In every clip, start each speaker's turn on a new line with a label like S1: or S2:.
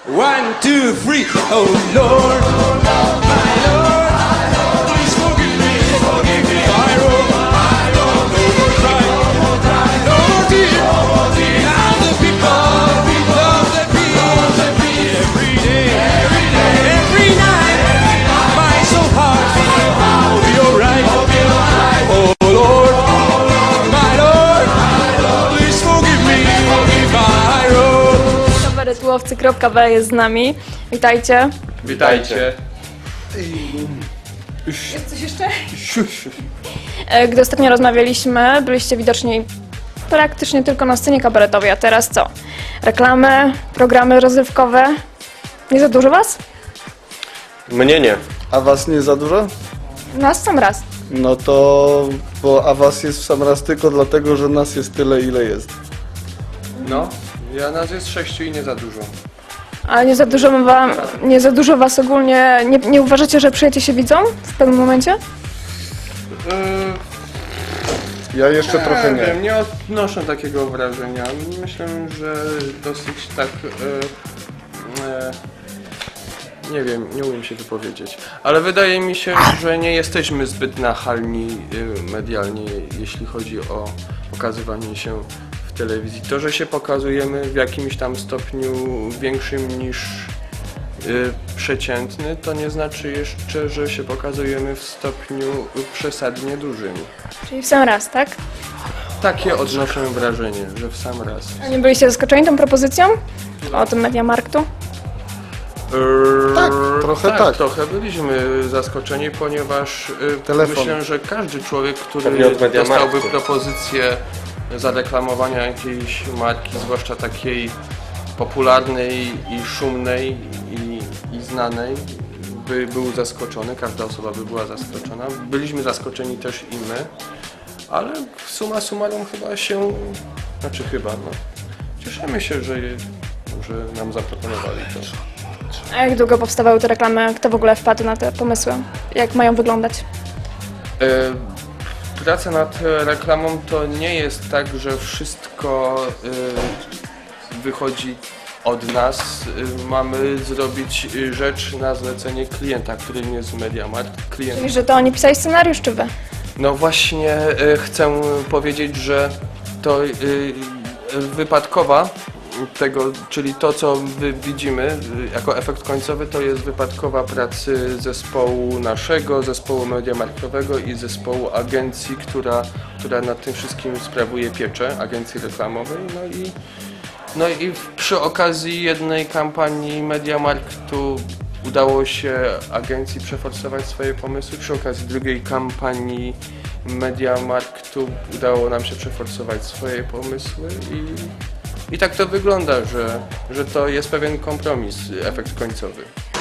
S1: 1, 2, 3. Oh Lord, my Lord, please forgive me. I wrote, no more cry, no more tears. Now the people love the beat. Every day, every night, my soul heart will be alright. Oh Lord, my Lord, please forgive me. I wrote.
S2: Kabaretułowcy.pl jest z nami. Witajcie.
S3: Witajcie.
S2: Jest coś jeszcze? Gdy ostatnio rozmawialiśmy, byliście widoczni praktycznie tylko na scenie kabaretowej, a teraz co? Reklamy, programy rozrywkowe. Nie za dużo was?
S3: Mnie nie.
S4: A was nie za dużo?
S2: Nas sam raz.
S4: No to... a was jest w sam raz tylko dlatego, że nas jest tyle, ile jest.
S3: No, nas jest 6 i nie za dużo.
S2: A nie za dużo was ogólnie, nie uważacie, że przyjacie się widzą w pewnym momencie?
S4: Ja jeszcze trochę nie.
S3: Wiem, nie odnoszę takiego wrażenia. Myślę, że dosyć tak... nie wiem, nie umiem się wypowiedzieć. Ale wydaje mi się, że nie jesteśmy zbyt nachalni medialnie, jeśli chodzi o pokazywanie się w telewizji. To, że się pokazujemy w jakimś tam stopniu większym niż przeciętny, to nie znaczy jeszcze, że się pokazujemy w stopniu przesadnie dużym.
S2: Czyli w sam raz, tak?
S3: Takie odnoszę wrażenie, że w sam raz.
S2: A nie byliście zaskoczeni tą propozycją? O tym Mediamarktu?
S4: Tak, trochę tak.
S3: Trochę byliśmy zaskoczeni, ponieważ
S4: Telefon.
S3: myślę, że każdy człowiek, który
S5: Pewnie od Mediamarktu.
S3: dostałby propozycję zareklamowania jakiejś marki, zwłaszcza takiej popularnej i szumnej i znanej, by był zaskoczony, każda osoba by była zaskoczona. Byliśmy zaskoczeni też i my, ale summa summarum cieszymy się, że nam zaproponowali to.
S2: A jak długo powstawały te reklamy? Kto w ogóle wpadł na te pomysły? Jak mają wyglądać?
S3: Praca nad reklamą to nie jest tak, że wszystko wychodzi od nas. Mamy zrobić rzecz na zlecenie klienta, którym jest Mediamarkt. Klient.
S2: Czyli, że to oni pisali scenariusz, czy wy?
S3: No właśnie chcę powiedzieć, że to wypadkowa tego, czyli to, co widzimy jako efekt końcowy, to jest wypadkowa pracy zespołu naszego, zespołu mediamarktowego i zespołu agencji, która nad tym wszystkim sprawuje pieczę, agencji reklamowej. No i przy okazji jednej kampanii Mediamarktu udało się agencji przeforsować swoje pomysły, przy okazji drugiej kampanii Mediamarktu udało nam się przeforsować swoje pomysły i tak to wygląda, że to jest pewien kompromis, efekt końcowy.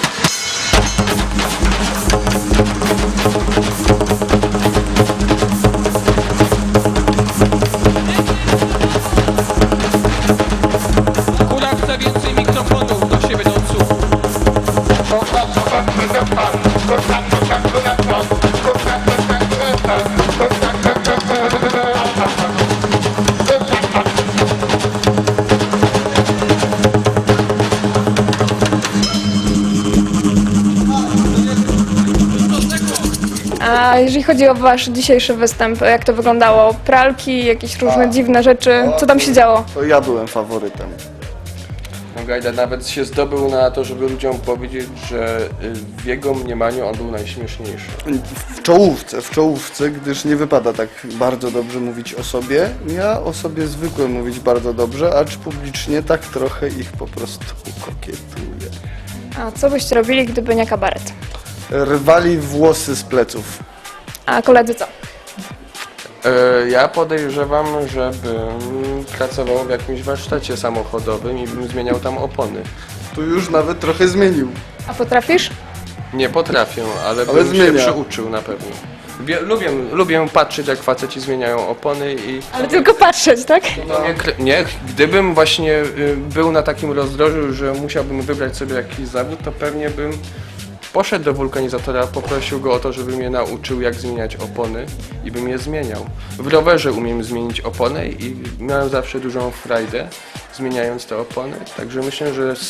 S1: Kula chce więcej mikrofonów do siebie do odsłuchu.
S2: A jeżeli chodzi o wasz dzisiejszy występ, jak to wyglądało? Pralki, jakieś różne dziwne rzeczy? Co tam się działo?
S4: To ja byłem faworytem.
S3: No Gajda nawet się zdobył na to, żeby ludziom powiedzieć, że w jego mniemaniu on był najśmieszniejszy.
S4: W czołówce, gdyż nie wypada tak bardzo dobrze mówić o sobie. Ja o sobie zwykłem mówić bardzo dobrze, acz publicznie tak trochę ich po prostu kokietuję.
S2: A co byście robili, gdyby nie kabaret?
S4: Rwali włosy z pleców.
S2: A koledzy co?
S3: Ja podejrzewam, żebym pracował w jakimś warsztacie samochodowym i bym zmieniał tam opony.
S4: Tu już nawet trochę zmienił.
S2: A potrafisz?
S3: Nie potrafię, ale bym
S4: zmienia.
S3: się przyuczył na pewno. Lubię patrzeć, jak faceci zmieniają opony i...
S2: Ale tylko patrzeć, tak?
S3: Nie, gdybym właśnie był na takim rozdrożu, że musiałbym wybrać sobie jakiś zawód, to pewnie bym poszedł do wulkanizatora, poprosił go o to, żeby mnie nauczył, jak zmieniać opony i bym je zmieniał. W rowerze umiem zmienić opony i miałem zawsze dużą frajdę zmieniając te opony, także myślę, że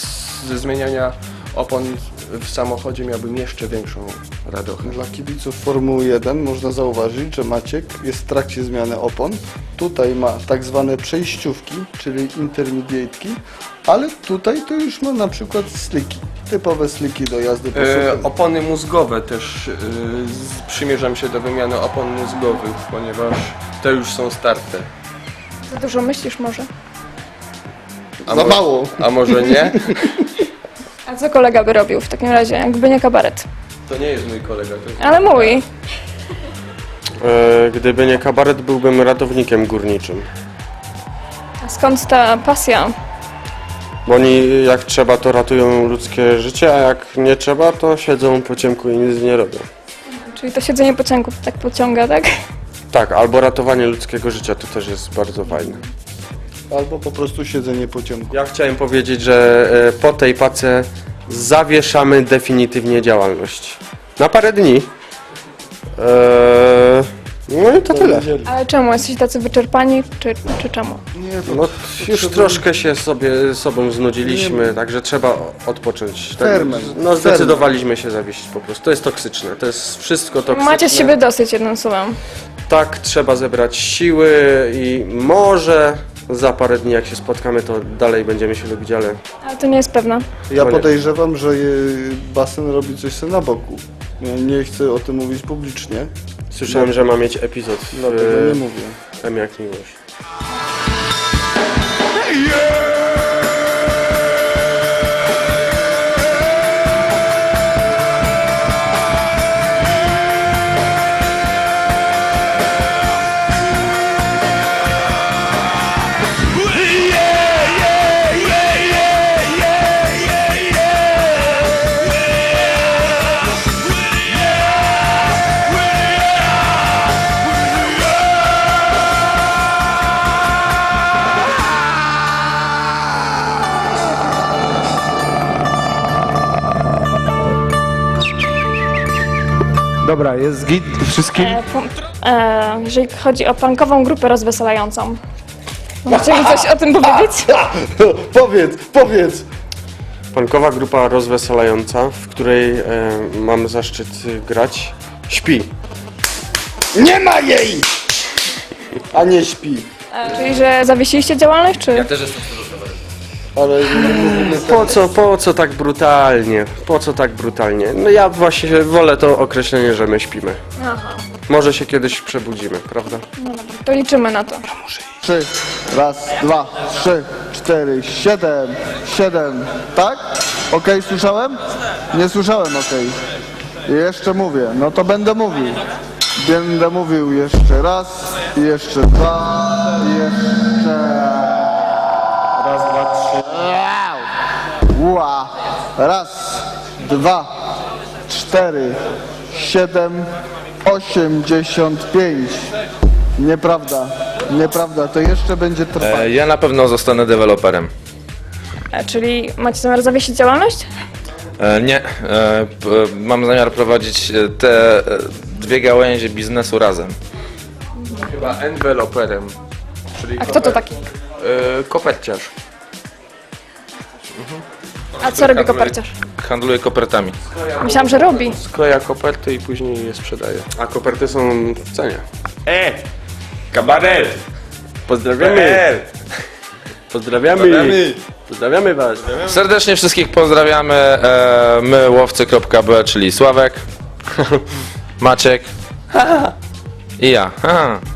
S3: ze zmieniania opon w samochodzie miałbym jeszcze większą radość.
S4: Dla kibiców Formuły 1 można zauważyć, że Maciek jest w trakcie zmiany opon. Tutaj ma tak zwane przejściówki, czyli intermediate'ki, ale tutaj to już ma na przykład sliki, typowe sliki do jazdy po suchym.
S3: Opony mózgowe też przymierzam się do wymiany opon mózgowych, ponieważ te już są starte.
S2: Za dużo myślisz może?
S3: A
S4: Za mało.
S3: A może nie?
S2: A co kolega by robił w takim razie, jakby nie kabaret?
S3: To nie jest mój kolega. To jest...
S2: Ale mój.
S5: Gdyby nie kabaret, byłbym ratownikiem górniczym.
S2: A skąd ta pasja?
S5: Bo oni jak trzeba, to ratują ludzkie życie, a jak nie trzeba, to siedzą po ciemku i nic nie robią.
S2: Czyli to siedzenie pociągów tak pociąga, tak?
S5: Tak, albo ratowanie ludzkiego życia, to też jest bardzo fajne.
S4: Albo po prostu siedzenie po ciemku.
S5: Ja chciałem powiedzieć, że po tej pace zawieszamy definitywnie działalność. Na parę dni. No i to tyle.
S2: Ale czemu? Jesteście tacy wyczerpani, czy czemu?
S4: Nie, to
S5: No, już troszkę się sobą znudziliśmy, także trzeba odpocząć. Tak,
S4: Ferment.
S5: no zdecydowaliśmy się zawiesić po prostu. To jest toksyczne, to jest wszystko toksyczne.
S2: Macie z siebie dosyć, jednym słowem.
S5: Tak, trzeba zebrać siły i może za parę dni jak się spotkamy, to dalej będziemy się lubić, ale
S2: Ale to nie jest pewne.
S4: ja
S5: No nie.
S4: podejrzewam, że basen robi coś sobie na boku. Ja nie chcę o tym mówić publicznie,
S5: słyszałem, że ma mieć epizod
S4: dlatego nie
S5: w
S4: mówię.
S5: M jak miłość.
S1: Dobra, jest git wszystkim?
S2: Jeżeli chodzi o punkową grupę rozweselającą. Możecie mi coś o tym powiedzieć?
S4: Powiedz!
S5: Punkowa grupa rozweselająca, w której mam zaszczyt grać, śpi.
S4: Nie ma jej! A nie śpi.
S2: Czyli, że zawiesiliście działalność, czy?
S4: Ale nie mówimy
S5: Po co tak brutalnie? Po co tak brutalnie? No ja właśnie wolę to określenie, że my śpimy.
S2: Aha.
S5: Może się kiedyś przebudzimy, prawda?
S2: No dobra, to liczymy na to.
S4: 3, raz, 2, 3, 4, 7, tak? Okej, słyszałem? Nie słyszałem, okej. Jeszcze mówię, no to będę mówił. Będę mówił jeszcze raz, jeszcze dwa, jeszcze...
S5: Raz, dwa, trzy.
S4: Ła! Raz, 2, 4, 7, 85. Nieprawda, to jeszcze będzie trwać.
S6: Ja na pewno zostanę deweloperem.
S2: Czyli macie zamiar zawiesić działalność?
S6: Nie, mam zamiar prowadzić te dwie gałęzie biznesu razem.
S3: Chyba enveloperem. Czyli
S2: A kto to taki?
S3: koperciarz.
S2: A co robi koperciarz?
S6: Handluję kopertami.
S2: Myślałam, że robi.
S3: Skleja koperty i później je sprzedaje.
S5: A koperty są w cenie.
S6: Kabaret!
S5: Pozdrawiamy! Pozdrawiamy! Pozdrawiamy was!
S6: Serdecznie wszystkich pozdrawiamy. My łowcy.b, czyli Sławek, Maciek i ja.